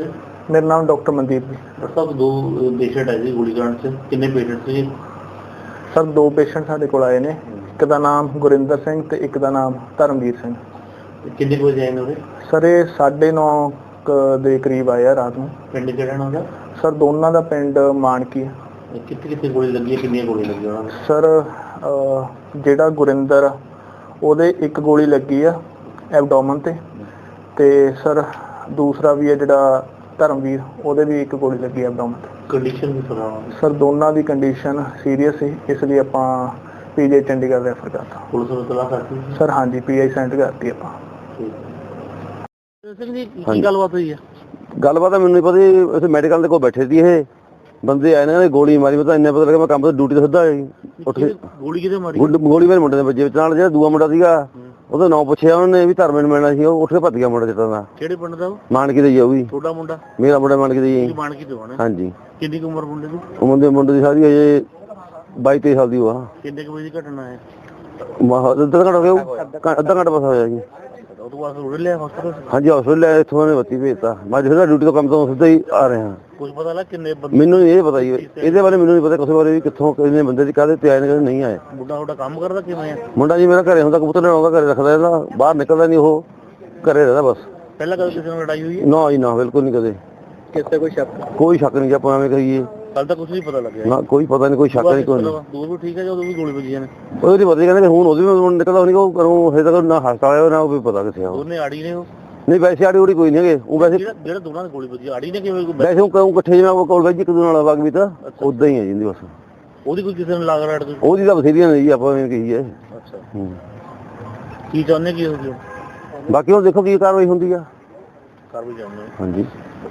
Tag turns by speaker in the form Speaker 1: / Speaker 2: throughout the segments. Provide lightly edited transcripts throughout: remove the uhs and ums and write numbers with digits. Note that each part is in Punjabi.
Speaker 1: सर?
Speaker 2: मेरा नाम डॉक्टर मनदीप जी।
Speaker 1: डॉक्टर साहब दो पेशेंट आए थे गोलीकांड से, कितने पेशेंट थे?
Speaker 2: सर दो पेशेंट साडे कोल आए ने, एक दा नाम गुरिंदर सिंह ते एक दा नाम धर्मवीर सिंह।
Speaker 1: कितने को आए ने?
Speaker 2: सर ये 9:30 ਦੇ ਕਰੀਬ ਆਏ ਆ ਰਾਤ ਨੂੰ।
Speaker 1: ਪਿੰਡ ਕਿਹੜਾ ਉਹਨਾਂ ਦਾ?
Speaker 2: ਸਰ ਦੋਨਾਂ ਦਾ ਪਿੰਡ ਮਾਨਕੀ ਹੈ।
Speaker 1: ਕਿੱਥੇ ਗੋਲੀ ਲੱਗੀ ਹੈ, ਕਿੰਨੀਆਂ ਗੋਲੀਆਂ ਲੱਗੀਆਂ ਉਹਨਾਂ ਨੂੰ?
Speaker 2: ਸਰ ਜਿਹੜਾ ਗੁਰਿੰਦਰ ਆ ਉਹਦੇ ਇੱਕ ਗੋਲੀ ਲੱਗੀ ਆ ਐਬਡੋਮਨ ਤੇ ਸਰ ਦੂਸਰਾ ਵੀ ਹੈ ਜਿਹੜਾ ਧਰਮਵੀਰ ਉਹਦੇ ਵੀ ਇੱਕ ਗੋਲੀ ਲੱਗੀ ਐਬਡੋਮਨ ਤੇ।
Speaker 1: ਕੰਡੀਸ਼ਨ ਵੀ ਸੁਣਾ?
Speaker 2: ਸਰ ਦੋਨਾਂ ਦੀ ਕੰਡੀਸ਼ਨ ਸੀਰੀਅਸ ਸੀ, ਇਸ ਲਈ ਆਪਾਂ ਪੀਜੀ ਚੰਡੀਗੜ੍ਹ ਰੈਫਰ ਕਰਤਾ।
Speaker 1: ਪੁਲਿਸ ਨੂੰ ਤਲਾਸ਼ ਕਰਤੀ?
Speaker 2: ਸਰ ਹਾਂਜੀ ਪੀਆਈ ਸੈਂਡ ਕਰਤੀ ਆਪਾਂ।
Speaker 1: ਸਿੰਘ ਜੀ ਕੀ ਗੱਲਬਾਤ ਹੋਈ ਹੈ?
Speaker 3: ਗੱਲਬਾਤ ਮੈਨੂੰ ਨਹੀਂ ਪਤਾ, ਇੱਥੇ ਮੈਡੀਕਲ ਦੇ ਕੋਲ ਬੈਠੇ ਸੀ ਇਹ ਬੰਦੇ ਆਏ ਨੇ, ਗੋਲੀ ਮਾਰੀ। ਮੈਂ ਤਾਂ ਇੰਨਾ ਪਤਾ ਲੱਗਾ ਮੈਂ ਕੰਮ ਤੋਂ ਡਿਊਟੀ ਤੋਂ ਸਿੱਧਾ ਉੱਠ ਕੇ
Speaker 1: ਗੋਲੀ ਕਿਤੇ ਮਾਰੀ?
Speaker 3: ਗੋਲੀ ਮੇਰੇ ਮੁੰਡੇ ਦੇ ਵੱਜੇ ਵਿੱਚ, ਨਾਲ ਜਿਹੜਾ ਦੂਆ ਮੁੰਡਾ ਸੀਗਾ ਉਹਦਾ ਨਾਂ ਪੁੱਛਿਆ ਉਹਨੇ ਵੀ ਧਰਮੇ ਨੂੰ ਮਿਲਣਾ ਸੀ, ਉਹ ਉੱਠ ਕੇ ਭੱਜ ਗਿਆ ਮੁੰਡਾ ਜਿੱਤਾਂ ਦਾ।
Speaker 1: ਕਿਹੜੇ ਪਿੰਡ ਦਾ?
Speaker 3: ਮਾਨਕੀ ਦਾ ਜੀ। ਉਹ ਵੀ
Speaker 1: ਤੁਹਾਡਾ ਮੁੰਡਾ?
Speaker 3: ਮੇਰਾ ਮੁੰਡਾ ਮਾਨਕੀ ਦਾ ਜੀ।
Speaker 1: ਮਾਨਕੀ ਤੋਂ ਆਣਾ?
Speaker 3: ਹਾਂਜੀ।
Speaker 1: ਕਿੰਨੀ ਕੁ ਉਮਰ ਮੁੰਡੇ ਦੀ?
Speaker 3: ਮੁੰਡੇ ਦੀ ਸਾਰੀ ਅਜੇ 22-23 ਸਾਲ ਦੀ ਉਹ ਆ।
Speaker 1: ਕਿੰਨੇ ਕੁ ਵਜੇ ਦੀ ਘਟਨਾ ਹੈ?
Speaker 3: ਅੱਧਾ ਘੰਟਾ ਹੋ ਗਿਆ, ਅੱਧਾ ਘੰਟਾ ਬਸ ਹੋਇਆ ਜੀ।
Speaker 1: ਉਹ ਤੋਂ ਬਾਅਦ ਰੋੜ ਲਿਆ ਹਸਪਤਾਲ?
Speaker 3: ਹਾਂਜੀ ਹਸਪਤਾਲ ਲਿਆ, ਇੱਥੋਂ ਉਹਨੇ ਬੱਤੀ ਭੇਜਤਾ। ਮੈਂ ਜਿਹੜਾ ਡਿਊਟੀ ਤੋਂ ਕੰਮ ਤੋਂ ਸਿੱਧਾ ਹੀ ਆ ਰਿਹਾ।
Speaker 1: ਕੁਝ ਪਤਾ ਲੱਗ ਕਿੰਨੇ ਬੰਦੇ?
Speaker 3: ਮੈਨੂੰ ਨਹੀਂ ਇਹ ਪਤਾ ਜੀ, ਇਹਦੇ ਬਾਰੇ ਮੈਨੂੰ ਨਹੀਂ ਪਤਾ ਕਿਸੇ ਬਾਰੇ ਵੀ ਕਿੱਥੋਂ ਕਿੰਨੇ ਬੰਦੇ ਦੀ ਕਾਹਦੇ ਤੇ ਆਏ ਨੇ ਕਾਹਦੇ ਨਹੀਂ ਆਏ।
Speaker 1: ਮੁੰਡਾ ਤੁਹਾਡਾ ਕੰਮ ਕਰਦਾ ਕਿਵੇਂ ਆ?
Speaker 3: ਮੁੰਡਾ ਜੀ ਮੇਰਾ ਘਰੇ ਹੁੰਦਾ, ਕਬੂਤਰ ਲੈਣ ਆਉਂਦਾ, ਘਰੇ ਰੱਖਦਾ ਇਹਦਾ, ਬਾਹਰ ਨਿਕਲਦਾ ਨਹੀਂ, ਉਹ ਘਰੇ ਰਹਿੰਦਾ ਬਸ।
Speaker 1: ਪਹਿਲਾਂ ਕਦੇ ਕਿਸੇ ਨਾਲ ਲੜਾਈ ਹੋਈ ਹੈ?
Speaker 3: ਨਾ ਜੀ ਨਾ, ਬਿਲਕੁਲ ਨਹੀਂ ਕਦੇ।
Speaker 1: ਕਿਸੇ ਕੋਈ ਸ਼ੱਕ?
Speaker 3: ਕੋਈ ਸ਼ੱਕ ਨਹੀਂ ਜੀ, ਆਪਾਂ ਐਵੇਂ ਕਹੀਏ।
Speaker 1: ਕੱਲ ਤਾਂ ਕੁਝ ਨਹੀਂ ਪਤਾ ਲੱਗਿਆ
Speaker 3: ਨਾ ਕੋਈ ਪਤਾ ਨਹੀਂ, ਕੋਈ ਸ਼ੱਕ ਨਹੀਂ, ਕੋਈ ਨਹੀਂ।
Speaker 1: ਦੂਰ ਵੀ ਠੀਕ ਹੈ ਜਦੋਂ ਵੀ ਗੋਲੀ ਵੱਜੀਆਂ ਨੇ?
Speaker 3: ਉਹਦੀ ਪਤਾ ਕਹਿੰਦੇ ਹੁਣ ਉਹਦੀ ਵੀ ਨਿਕਲਦਾ ਨਹੀਂ, ਉਹ ਕਰੂੰ ਹਜੇ ਤੱਕ ਨਾ ਹਸਪਤਾਲ ਆਇਆ ਨਾ ਉਹ ਵੀ ਪਤਾ ਕਿੱਥੇ ਆ।
Speaker 1: ਉਹਨੇ ਆੜੀ ਨੇ? ਉਹ
Speaker 3: ਨਹੀਂ ਵੈਸੇ ਆੜੀ ਉੜੀ ਕੋਈ ਨਹੀਂ ਹੈਗੇ, ਉਹ ਵੈਸੇ
Speaker 1: ਜਿਹੜਾ ਦੋਨਾਂ ਦੀ ਗੋਲੀ ਵੱਜੀ ਆੜੀ ਨੇ ਕਿਵੇਂ?
Speaker 3: ਵੈਸੇ ਉਹ ਕਹੂੰ ਇਕੱਠੇ ਜਿਵੇਂ ਉਹ ਕੋਲ ਵੈਜੀ ਇੱਕ ਦੂਜੇ ਨਾਲ ਵਗ ਵੀ ਤਾਂ ਉਦਾਂ ਹੀ ਹੈ ਜਿੰਦੀ ਬਸ।
Speaker 1: ਉਹਦੀ ਕੋਈ ਕਿਸੇ ਨਾਲ ਲਾਗ ਰਾੜ?
Speaker 3: ਉਹਦੀ ਤਾਂ ਬਥੇਰੀਆਂ ਨੇ ਜੀ, ਆਪਾਂ ਐਵੇਂ ਕਹੀਏ।
Speaker 1: ਅੱਛਾ ਕੀ ਚਾਹੁੰਦੇ ਕੀ ਹੋ ਗਿਆ?
Speaker 3: ਬਾਕੀ ਉਹ ਦੇਖੋ ਕੀ ਕਾਰਵਾਈ ਹੁੰਦੀ ਆ।
Speaker 1: ਕਰ ਵੀ ਜਾਂਦੇ
Speaker 3: ਹਾਂਜੀ।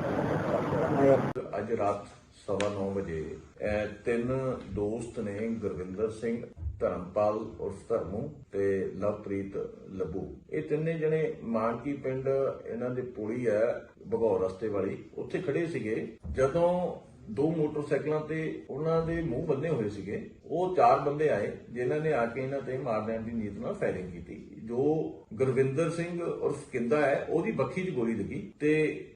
Speaker 4: ਅੱਜ ਰਾਤ 9:15 ਵਜੇ ਤਿੰਨ ਦੋਸਤ ਨੇ, ਗੁਰਵਿੰਦਰ ਸਿੰਘ, ਧਰਮਪਾਲ ਉਰਫ ਧਰਮੂ ਤੇ ਲਵਪ੍ਰੀਤ ਲੱਭੂ, ਇਹ ਤਿੰਨੇ ਜਣੇ ਮਾਨਕੀ ਪਿੰਡ ਇਹਨਾਂ ਦੇ ਪੁਲੀ ਹੈ ਭਗੌਰ ਰਸਤੇ ਵਾਲੀ, ਉੱਥੇ ਖੜੇ ਸੀਗੇ। ਜਦੋਂ ਦੋ ਮੋਟਰਸਾਈਕਲਾਂ ਤੇ ਉਹਨਾਂ ਦੇ ਮੂੰਹ ਬੰਨੇ ਹੋਏ ਸੀਗੇ, ਉਹ ਚਾਰ ਬੰਦੇ ਆਏ ਜਿਨ੍ਹਾਂ ਨੇ ਆ ਕੇ ਇਹਨਾਂ ਤੇ ਮਾਰ ਦੇਣ ਦੀ ਨੀਤ ਨਾਲ ਫਾਇਰਿੰਗ ਕੀਤੀ। ਜੋ ਗੁਰਵਿੰਦਰ ਸਿੰਘ ਉਰਫ ਕਿੰਦਾ ਹੈ ਉਹਦੀ ਬੱਖੀ 'ਚ ਗੋਲੀ ਲੱਗੀ ਤੇ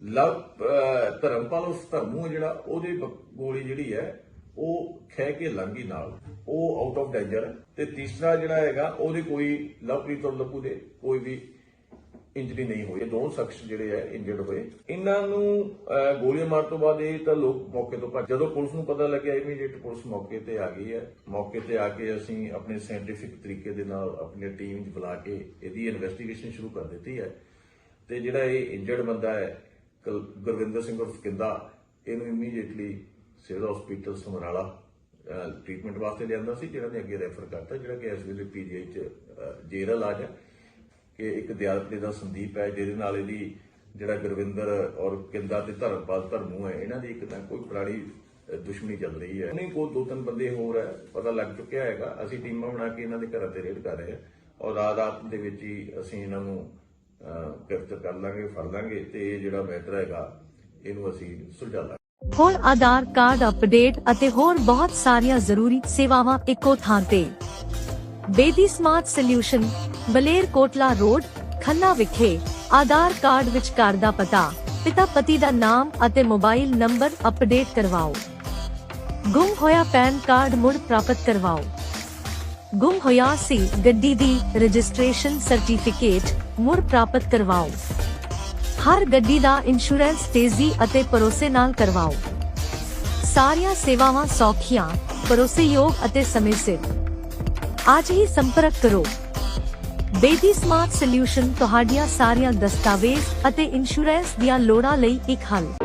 Speaker 4: ਧਰਮਪਾਲ ਉਰਫ ਧਰਮੂ ਜਿਹੜਾ ਉਹਦੇ ਗੋਲੀ ਜਿਹੜੀ ਹੈ ਉਹ ਖਹਿ ਕੇ ਲੰਘੀ ਨਾਲ, ਉਹ ਆਊਟ ਆਫ ਡੇਂਜਰ। ਤੇ ਤੀਸਰਾ ਜਿਹੜਾ ਹੈਗਾ ਉਹਦੇ ਕੋਈ ਲਵਪ੍ਰੀਤ ਔਰ ਲੱਭੂ ਦੇ ਕੋਈ ਵੀ ਇੰਜਰੀ ਨਹੀਂ ਹੋਈ। ਦੋ ਸ਼ਖਸ ਜਿਹੜੇ ਹੈ ਇੰਜਰਡ ਹੋਏ। ਇਹਨਾਂ ਨੂੰ ਗੋਲੀਆਂ ਮਾਰਨ ਤੋਂ ਬਾਅਦ ਇਹ ਤਾਂ ਲੋਕ ਮੌਕੇ ਤੋਂ ਭੱਜ। ਜਦੋਂ ਪੁਲਿਸ ਨੂੰ ਪਤਾ ਲੱਗਿਆ ਇਮੀਡੀਏਟ ਪੁਲਿਸ ਮੌਕੇ ਤੇ ਆ ਗਈ ਹੈ। ਮੌਕੇ ਤੇ ਆ ਕੇ ਅਸੀਂ ਆਪਣੇ ਸਾਇੰਟੀਫਿਕ ਤਰੀਕੇ ਦੇ ਨਾਲ ਆਪਣੀ ਟੀਮ ਚ ਬੁਲਾ ਕੇ ਇਹਦੀ ਇਨਵੈਸਟੀਗੇਸ਼ਨ ਸ਼ੁਰੂ ਕਰ ਦਿੱਤੀ ਹੈ। ਤੇ ਜਿਹੜਾ ਇਹ ਇੰਜਰਡ ਬੰਦਾ ਹੈ ਗੁਰਵਿੰਦਰ ਸਿੰਘ ਉਰਫ ਕਿੰਦਾ, ਇਹਨੂੰ immediately civil hospital Samrala treatment ਵਾਸਤੇ ਲਿਆਂਦਾ ਸੀ, ਜਿਹੜਾ ਨੇ ਅੱਗੇ ਰੈਫਰ ਕਰਤਾ, ਜਿਹੜਾ ਕਿ ਇਸ ਵੇਲੇ ਪੀਜੀਆਈ ਚ ਜੇਰ ਇਲਾਜ ਹੈ। ਕਿ ਇੱਕ ਦਿਆਲਪੁਰੇ ਦਾ ਸੰਦੀਪ ਹੈ ਜਿਹਦੇ ਨਾਲ ਇਹਦੀ ਜਿਹੜਾ ਗੁਰਵਿੰਦਰ ਔਰ ਕਿੰਦਾ ਤੇ ਧਰਮਪਾਲ ਧਰਮੂ ਹੈ, ਇਹਨਾਂ ਦੀ ਇੱਕ ਤਾਂ ਕੋਈ ਪੁਰਾਣੀ ਦੁਸ਼ਮਣੀ ਚੱਲ ਰਹੀ ਹੈ। ਨਹੀਂ ਕੋਈ ਦੋ ਤਿੰਨ ਬੰਦੇ ਹੋਰ ਹੈ ਪਤਾ ਲੱਗ ਚੁੱਕਿਆ ਹੈਗਾ। ਅਸੀਂ ਟੀਮਾਂ ਬਣਾ ਕੇ ਇਹਨਾਂ ਦੇ ਘਰਾਂ ਤੇ ਰੇਡ ਕਰ ਰਹੇ ਹਾਂ ਔਰ ਰਾਤ ਦੇ ਵਿੱਚ ਹੀ ਅਸੀਂ ਇਹਨਾਂ ਨੂੰ ਗ੍ਰਿਫਤਾਰ ਕਰ ਲਾਂਗੇ, ਫੜ ਲਾਂਗੇ ਤੇ ਇਹ ਜਿਹੜਾ ਮੈਟਰ ਹੈਗਾ ਇਹਨੂੰ ਅਸੀਂ ਸੁਲਝਾ ਲਾਂਗੇ।
Speaker 5: ਹੋਰ ਆਧਾਰ ਕਾਰਡ ਅਪਡੇਟ ਅਤੇ ਹੋਰ ਬਹੁਤ ਸਾਰੀਆਂ ਜ਼ਰੂਰੀ ਸੇਵਾਵਾਂ ਇੱਕੋ ਥਾਂ ਤੇ। Bedi smart solution, Baler Kotla road, Khanna ਵਿਖੇ। ਆਧਾਰ ਕਾਰਡ ਵਿੱਚ ਘਰ ਦਾ ਪਤਾ, ਪਿਤਾ ਪਤੀ ਦਾ ਨਾਮ ਅਤੇ ਮੋਬਾਈਲ ਨੰਬਰ ਅਪਡੇਟ ਕਰਵਾਓ। ਗੁੰਮ ਹੋਇਆ ਪੈਨ ਕਾਰਡ ਮੁੜ ਪ੍ਰਾਪਤ ਕਰਵਾਓ। ਗੁੰਮ ਹੋਇਆ ਸੀ ਗੱਡੀ ਦੀ ਰਜਿਸਟ੍ਰੇਸ਼ਨ ਸਰਟੀਫਿਕੇਟ ਮੁੜ ਪ੍ਰਾਪਤ ਕਰਵਾਓ। ਹਰ ਗੱਡੀ ਦਾ ਇੰਸ਼ੋਰੈਂਸ ਤੇਜ਼ੀ ਅਤੇ ਭਰੋਸੇ ਨਾਲ ਕਰਵਾਓ। ਸਾਰੀਆਂ ਸੇਵਾਵਾਂ ਸੌਖੀਆਂ, ਭਰੋਸੇਯੋਗ ਅਤੇ ਸਮੇਂ ਸਿਰ। ਅੱਜ ਹੀ ਸੰਪਰਕ ਕਰੋ। ਬੇਦੀ ਸਮਾਰਟ ਸੋਲਿਊਸ਼ਨ ਤੁਹਾਡੀਆਂ ਸਾਰੀਆਂ ਦਸਤਾਵੇਜ਼ ਅਤੇ ਇੰਸ਼ੋਰੈਂਸ ਦੀਆਂ ਲੋੜਾਂ ਲਈ ਇੱਕ ਹੱਲ।